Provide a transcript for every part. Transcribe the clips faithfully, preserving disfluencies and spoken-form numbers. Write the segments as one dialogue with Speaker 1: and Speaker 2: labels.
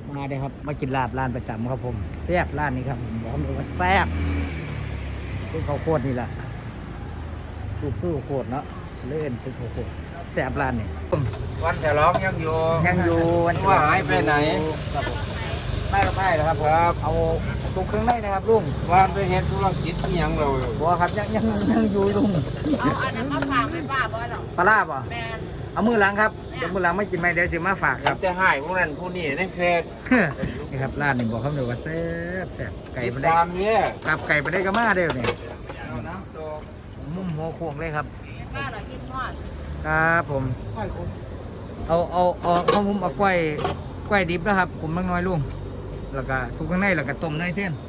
Speaker 1: มาเลยครับมากินลาบร้านประจำครับผมแซ่บร้านนี้ครับผมบอกเลยว่าแซ่บคือข้าวโพดนี่แหละคือคือข้าวโพดเนาะเล่นคือข้าวโพดแซ่บร้านนี่
Speaker 2: วันฉลองยังอยู่
Speaker 1: ยังอยู่วัน
Speaker 2: ว่าหายไปไหน
Speaker 1: ครับผมไม่ก็ไม่นะครับครับเอาตุกเครื่องในนะครับลุง
Speaker 2: วันไปเห็นธุรกิจที่ยังเรา
Speaker 1: บัวครับยังยังยังอยู่ลุง
Speaker 3: เอาอันนั้นมาฝากไม่ป้าบ่หรอก
Speaker 1: ปลาลาบอ่ะ
Speaker 3: แมน
Speaker 1: เอามือหลังครับเดี๋ยวมือหลังไม่กินไม่เดี๋ยวสิมาฝากครับ
Speaker 2: จะหายพวกนั้นผู้นี้ในเฟซ
Speaker 1: นี่ครับร้านนี่บอกเขาเลยว่าแซ่บแซ่บไก่
Speaker 2: ติด
Speaker 1: ไปได้
Speaker 2: ตามเนี่ย
Speaker 1: กลับไก่ไปได้ก็มาเด้อเนี่ย
Speaker 2: เอาน้ำตก
Speaker 1: มุมหัวโค้งเลยครับ
Speaker 3: ป้าหน่อยกินทอด
Speaker 1: ครับผมเอาเอาเอาข้าวมุมเอากล้วยกล้วยดิบนะครับผมมังน้อยลุงแล้วก็สุกข้างในแล้วก็ต้มในเท่น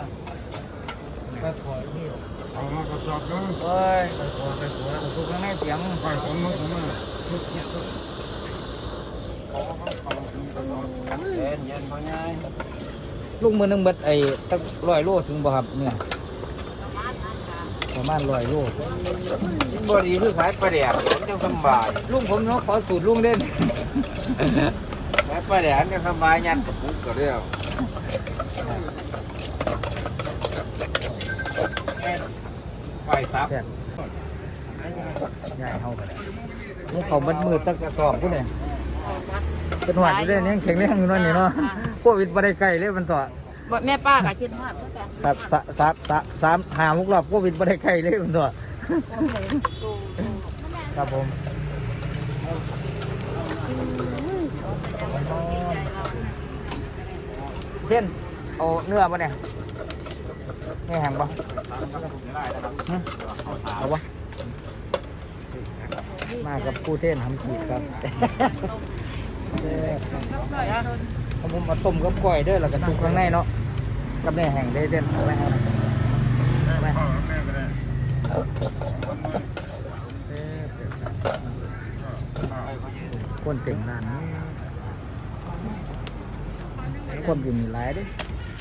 Speaker 2: เอามากระสอบนึง
Speaker 1: เอ้ยสุกข้างในเสียง
Speaker 2: ไปผมมาผมมาเย็นเย็นพอไง
Speaker 1: ลูกมือหนึงเบิดไอ้ตั้งร้อยโลถึงบ่ครับเนี่ยประมาณร้อยโล
Speaker 2: บดีคือขายปลาแดกผมจะสบาย
Speaker 1: ลุงผมเนาะขอสูตรลุงเด่น
Speaker 2: ขายปลาแดกจะสบายยันกับผมก็เรียวไฟซับ
Speaker 1: แซ่บใหญ่เฮากันมุกเขาเบิดมือตั้งกระสอบพุ่นเนี่ยเป็นหวัดอยู่เด้ยังแข็งแรงอยู่นั่นนี่เนาะโควิดบ่ได้ใกล้เลยมันต่อ
Speaker 3: บ่แม่ป้าก็กินทอดเหมือนกัน
Speaker 1: ครับสะสามสามสามหามุกรอบโควิดบ่ได้ใกล้เลยมันต่อครับผมเทียนเอาเนื้อป่ะเนี่ยไม่แห้งป่ะหึเอาวะมากับผู้เท่นทำขีดครับเอาผมมาต้มกับก้อยเด้วยแล้วก็สุกข้างในเนาะกับเนื้อแห้งได้เด่นเอาไหมครับเอาไหมคนเต็มร้านนี้คนอยู่มีหลายเด้วย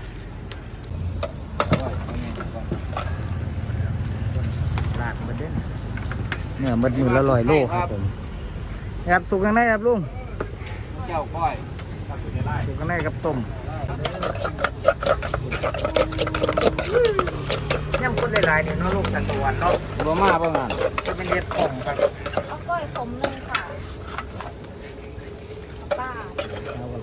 Speaker 1: ลากมาเด่นเนื้อมันอยู่ละร้อยโลครับผมครับสุกข้างในครับลุง
Speaker 2: เจ้าก้อย
Speaker 1: สุกข้างในกับต้มย่ำคนหลายๆนี่เนาะลูกตะตะวันเนาะ
Speaker 2: บ่มาบ่งาน
Speaker 1: จะเป็นเล็ดของครับ
Speaker 3: เอากล้วยผมนึงค่ะป้า
Speaker 1: เอาอะไร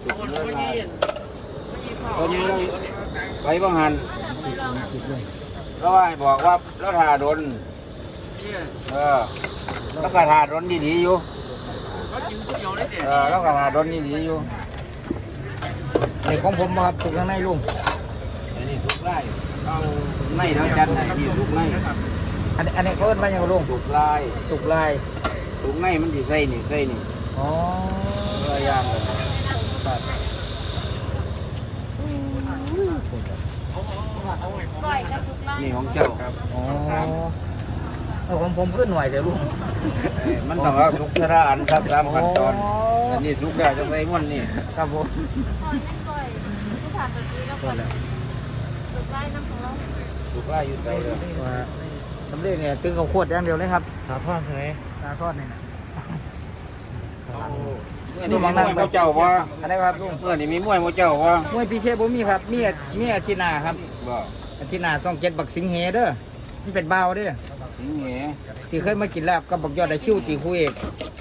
Speaker 2: ตัวนี้ไปบ่งาน
Speaker 1: สิบสิบเลย
Speaker 2: แล้วว่าบอกว่าแล้วทาดนเออแล้วก็ทาดนดีๆอยู่เออแล้วก็ทาดนดีๆอยู่
Speaker 1: ไอ้ของผมบ่ครับสุกข้างในลุง
Speaker 2: อันนี้ทุกไร่เอาในแล้วจันไหนที่ทุกไร่
Speaker 1: อันนี้อันนี้เขาเอิ้นว่าหยังลุง
Speaker 2: ทุกไร่
Speaker 1: สุกลาย
Speaker 2: ทุกไร่มันสิใส่นี่ใส่นี่
Speaker 1: อ๋อ
Speaker 2: เออย่างเลย
Speaker 1: ครับ
Speaker 3: กล้วยกับสุกไล่
Speaker 2: นี่ของเจ้า
Speaker 1: อ๋อเอาของผมขึ้นหน่อยเดี๋ยวลุง
Speaker 2: เอ้ยมันต้องเอาทุกทระอันครับตามขั้นตอนอันนี้ทุกได้จะใส่ม้วนนี่
Speaker 1: ครับผม
Speaker 3: กล้วยกล้วยผู้ผ่านตัวนี้แล้วก็สุกไล่น้ำของเรา
Speaker 2: ทุกไร่อยู่ใส่เลย
Speaker 1: ว่าสำเร็จเนี่ยตึงเขาขวดอย่างเดียวเลยครับ
Speaker 2: สาทอดใช่ไหม
Speaker 1: สาทอดนี่นะ
Speaker 2: นี่มีมวยเจ้าว่า
Speaker 1: อันนี้ครับลุง
Speaker 2: เมื่อนี่มีมวยเจ้าว่าม
Speaker 1: วยพีเคบ่มีครับมีอามีอาทิตย์หน้าครับ
Speaker 2: บ่
Speaker 1: อาทิตย์หน้าต้องเจ็ดบักสิงเหเด้อนี่เป็นเบาวเด้อ
Speaker 2: สิงเห
Speaker 1: ที่เคยมากินลาบกับบักยอดไอคิวตีคู่เอก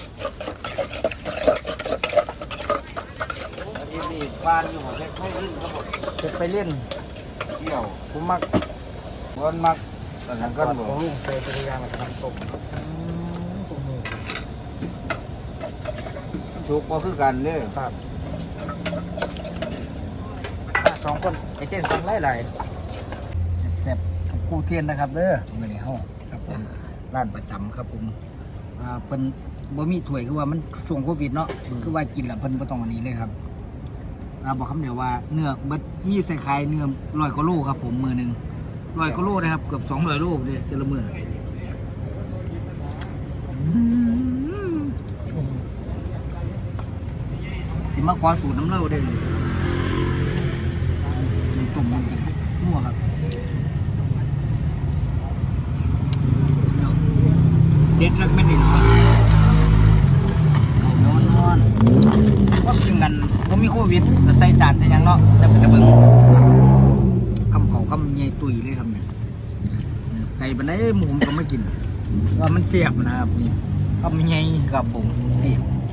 Speaker 2: อันนี้นี่บ้านอยู่ของเพชรไม่ลื่นก็หมด
Speaker 1: จะไปเล่น
Speaker 2: เที่ยว
Speaker 1: ผมมัก
Speaker 2: วนมักแต่ทางกันบ่
Speaker 1: ผมลุงเคยพยายามมาทำตก
Speaker 2: ชุกบ่คือกันเด้อ
Speaker 1: ครับอ่ะสองคนไอเจนสั่งไล่ไหลแซ่บๆกับคู่เทียนนะครับเด้อมื่อนี้เฮาครับผมร้านประจำครับผมอ่าเพิ่นบ่มีถ้วยคือว่ามันช่วงโควิดเนาะคือว่ากินแล้วเพิ่นบ่ต้องอันนี้เลยครับอ่าบอกคำเดียวว่าเนื้อเบิดมีใส่ไข่เนื้อร้อยกว่าโลครับผมมือหนึงร้อยกว่าโลนะครับเกือบสองร้อยโลเลยแต่ละมื้ออืมสิมาขอสูตรน้ำเล่าเด้อตุ่มมันกินมั่วครับเด็ดแล้วไม่ได้หรอกนอนนอนก็กินกันผมมีโควิดก็ใส่จานใส่หยังเนาะแต่เป็นจะเบิ่งคำเขาคำใหญ่ตุยเลยครับเนี่ยไก่บันไดหมูผมก็ไม่กินว่ามันเสียบนะครับนี่คำใหญ่กับผมนี่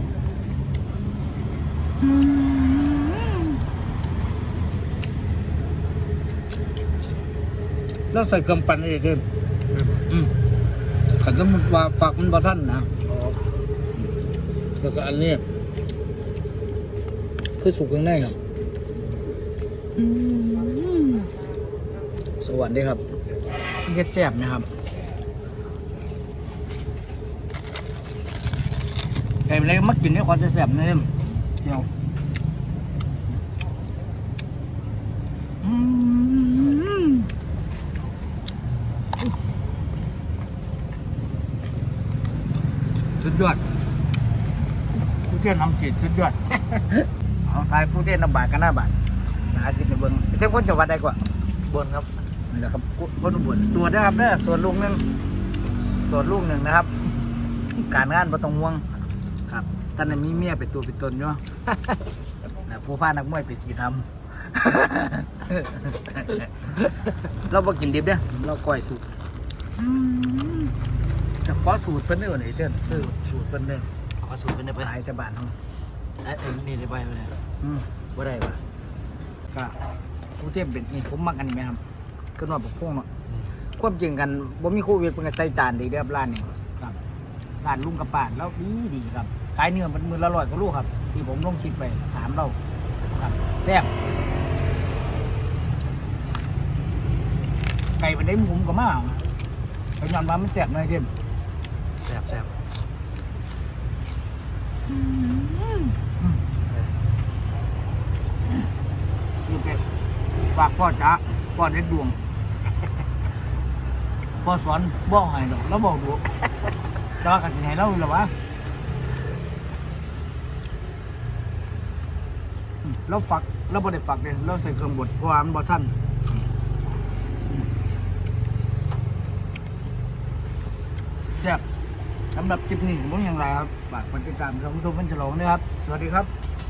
Speaker 1: แล้วใส่เครื่องปั่นอะไรเพิ่มอืมขันสมมติว่าฝักมันบ่ท่านนะแล้วก็อันนี้คือสุกข้างในครับสวัสดีครับเก็ดแซ่บนะครับไก่อะไรมักกินด้วยความแซ่บนี่เดียวสุดยอดผู้เชี่ยวชาญจีดสุดยอดเอาทายผู้เชี่ยวชาญบาทกันหน้าบาทสาธิตในเบิ้งเจ้าคนจังหวัดใดกว่าบนครับนี่แหละครับคนอุบลส่วนนะครับเนี่ยส่วนลูกหนึ่งส่วนลูกหนึ่งนะครับ การงานบ่ต้องห่วงครับท่านมีเมียเป็นตัวเป็นตนอยู่ นะผู้ฟ้านักมวยไปสีทำ เราบ่กินดิบเด้อเราก้อยสูตรจะขอสูตรเพิ่นได้บ่ไหนเด้อซื้อสูตรเพิ่นเด้อขอสูตรเพิ่นได้ไปหายแต่บ้านเฮาไอ้ไอ้นี่ได้ไปบ่ได้อืมบ่ได้ว่ะก็ผู้เทียมเป็นนี่ผมมักอันนี้แม่ครับคือว่าบักพวงเนาะความจริงกันบ่มีโควิดเพิ่นก็ใส่จานดีเด้อร้านนี้ครับร้านลุงกับป้าแล้วดีดีครับขายเนื้อมันมื้อละร้อยกว่าลูกครับที่ผมลงคลิปไปถามเราครับแซ่บไก่เป็นได้หมูก็มาเขาย้อนว่ามันแซ่บหน่อยเด้อแซ่บแซ่บนี่เป็ดฝากพ่อจ๋าพ่อเด็ดดวงพ่อสอนบอกให้ดอกแล้วบอกดูจะว่ากันสิให้เราหรอวะเราฝักเราบ่ได้ฝักเลยเราใส่เครื่องบดเพราะว่ามันบ่ทันแซ่บสำหรับคลิปนี้ผมอย่างไรครับฝากกดติดตามช่องยูทูบเป็นฉลองด้วยครับสวัสดีครับ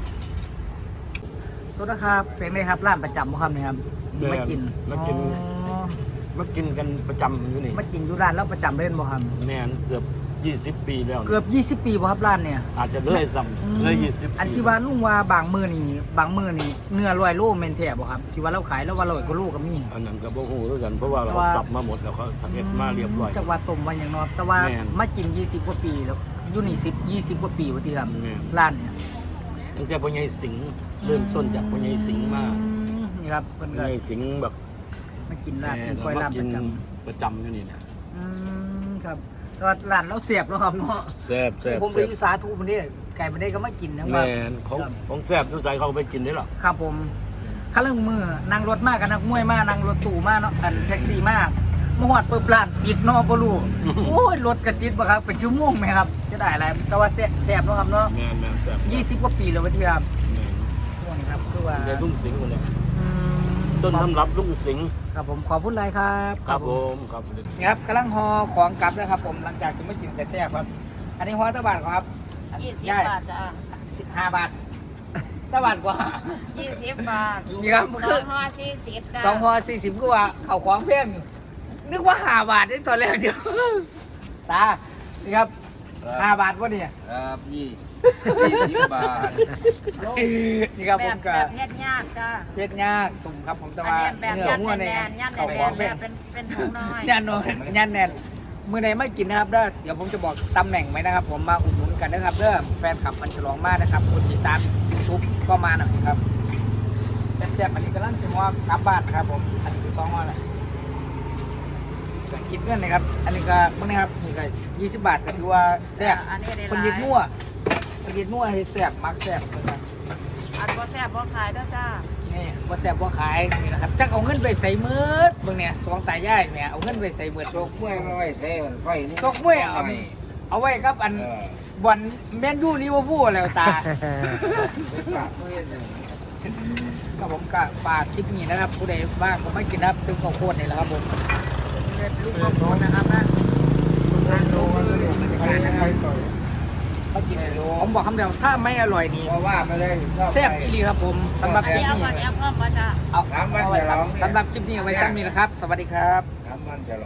Speaker 1: ตัวนะครับเป็นไงครับร้านประจำบ่ครับเนี่ยครับมากิน
Speaker 4: มากิน
Speaker 1: อ๋อ
Speaker 4: มากินกันประจำอยู่นี่
Speaker 1: มากินอยู่ร้านแล้วประจำเล่นบ่ครับ
Speaker 4: แม่นเกือบยี่สิบปีแล้ว
Speaker 1: เกือบยี่สิบปีบ่ครับร้านเนี่ย
Speaker 4: อาจจะเลยซ้ำเลยยี่สิบ
Speaker 1: อันที่ว่าลุงว่าบางมือนี่บางมือนี่เนื้อลอยโลแม่นแท้บ่ครับที่ว่าเราขายแล้วว่าลอยกว่าโลก็มี
Speaker 4: อันนั้นก็บ่ฮู้ด้วยกันเพราะว่าเรา
Speaker 1: แต่ว่า
Speaker 4: สับมาหมดแล้วเขาสับเอ็ดมาเรียบร้อย
Speaker 1: จังหวัดต้มวันอย่างน้อยแต่ว่า
Speaker 4: แม่น
Speaker 1: มากินยี่สิบกว่าปีแล้วอยู่นี่สิบ ยี่สิบกว่าปีว่าติครับ
Speaker 4: แม่น
Speaker 1: ร้านเนี่ย
Speaker 4: ตั้งแต่พ่อใหญ่สิงห์เริ่มต้นจากพ่อใหญ่สิงห์มา
Speaker 1: อืมนี่ครับเพิ่น
Speaker 4: พ่อ
Speaker 1: ก็
Speaker 4: ใหญ่สิงห์แบบ
Speaker 1: มากินร้าน
Speaker 4: แห
Speaker 1: กิน
Speaker 4: ม
Speaker 1: กล้วย
Speaker 4: เรา
Speaker 1: ร้าน
Speaker 4: กิ
Speaker 1: ป
Speaker 4: น
Speaker 1: ระจ
Speaker 4: ประจำอยู่นี่เนี่ย
Speaker 1: ำอืมครับแต่ว่าร้านเราเสียบแล้วครับเนาะ
Speaker 4: แซ่บแซ่บ
Speaker 1: ผมไป
Speaker 4: แซ่บ
Speaker 1: อยู่สาธุมันนี่ไก่มันได้ก็มากินนะว่า
Speaker 4: แม่นของของแซ่บทุกสายเขาไปกินได้หรอ
Speaker 1: ครับผมข้าเรื่องมือนั่งรถมากกันนักมวยมากนั่งรถตู้มากเนาะกันแท็กซี่มากมาหอดเปิดร้านปิดเนอกบ่รู้ โอ้ยรถกระติดบ่ครับเป็นชั่วโมงไหมครับเสียดายอะไรแต่ว่าแซ่บแซ่บเนาะครับเนาะ
Speaker 4: แม่นแม่นแซ่บ
Speaker 1: ยี่สิบกว่าปีแล้ววะที่ครับ
Speaker 4: แม่น
Speaker 1: ช่วงนี้ครับคือว่า
Speaker 4: แต่ลุงสิงห์คนนี้
Speaker 1: อืม
Speaker 4: ต้นน้ำรับลุงสิงห์
Speaker 1: ครับผมขอบคุณหลายครับ
Speaker 4: ครับผมครับ
Speaker 1: นี่ครับกำลังห่อของกลับนะครับผมหลังจากที่ไม่กินแต่แซ่บครับ อันนี้ห่อตะบาทครับ
Speaker 3: ยี่สิบ
Speaker 1: ย่าย
Speaker 3: บาทจ้ะ
Speaker 1: สิบห้าบาทตะบาทกว่า
Speaker 3: ยี่สิบบาท
Speaker 1: นี่ครับ
Speaker 3: สองห่อสี่สิบจ้ะ
Speaker 1: สองห่อสี่สิบก็ว่าเขาของเพียงนึกว่าห้าบาทนี่ตอนแรกเดียวตานี่ครับห้าบาทวะเนี่ย
Speaker 2: ครับยี่ยี่สิบบาท
Speaker 1: นี่ครับ
Speaker 3: แบ
Speaker 1: ผ
Speaker 3: บ
Speaker 1: ม
Speaker 3: แบ
Speaker 1: กับบ
Speaker 3: เฮ็ดยากจ้ะ
Speaker 1: เพชรยากสุ่มครับผมแต่
Speaker 3: อัน
Speaker 1: ว่า
Speaker 3: นี้แบบ
Speaker 1: เนื้อ
Speaker 3: ยัน
Speaker 1: หัว
Speaker 3: แน
Speaker 1: เนี่ย
Speaker 3: นยันแน
Speaker 1: เขา
Speaker 3: น
Speaker 1: ของ
Speaker 3: แบ
Speaker 1: เพียง
Speaker 3: บเป็นเป็นถุงน้อย
Speaker 1: ยันโนยันแน่นมือไหนไม่กินนะครับเด้อเดี๋ยวผมจะบอกตำแหน่งไหมนะครับ ผมมาอุดหนุนกันนะครับเด้อแฟนคลับมันฉลองมากนะครับคนติดตามยูทูบก็มาหน่อยครับแซ่บๆอันนี้กำลังจะว่ากลับบ้านครับผมอันนี้คือซองว่าอะไรก็คิดเงินนะครับอันนี้ก็พวกนี้ครับนี่ก็ยี่สิบบาทก็ถือว่าแซ่บ
Speaker 3: อันนี้ได้ห
Speaker 1: คน
Speaker 3: ลา
Speaker 1: ยิด
Speaker 3: ย
Speaker 1: มั่วคนยิดมั่วเฮ็ดแซ่บมักแซ่บนะครับ
Speaker 3: อันบ่แซ่บบ่ขายเด้อจ้า
Speaker 1: นี่ว่าแซ่บว่าขายนี่นะครับจักเอาเงินไปใส่มืดเบิ่งเนี่ยสองตายายเนี่ยเอาเงินไปใส่มืดโจก
Speaker 2: กล้วยน้อยเท่ไฟนี่
Speaker 1: โจกมวยเอาเอาไว้ครับอัน
Speaker 2: เออ
Speaker 1: บอลแมนยูลิเวอร์พูลแล้วตาครับผมก็ฝากคลิปนี้นะครับผู้ใดบ้างผมไม่กินนะครับตึงข้าวโพดนี่แหละครับผมลูกข้าวโพดนะครับนะทางโลก็เลยนะครับ
Speaker 2: เขากินให้รู้
Speaker 1: ผมบอกคำเดียวถ้าไม่อร่อยนี่
Speaker 2: เพราะว่าไม่ได้ชอบ
Speaker 1: แซ่บอีหลีครับผมสำหรับคลิป
Speaker 3: เอา
Speaker 1: นี้
Speaker 3: ก่อนเอาก่อนมาจ้า
Speaker 1: เอาเอาไว้ครับสำหรับคลิปนี้เอาไว้ซ้ำนี้นะครับ สวัสดีครับ
Speaker 2: น้ำมันจะ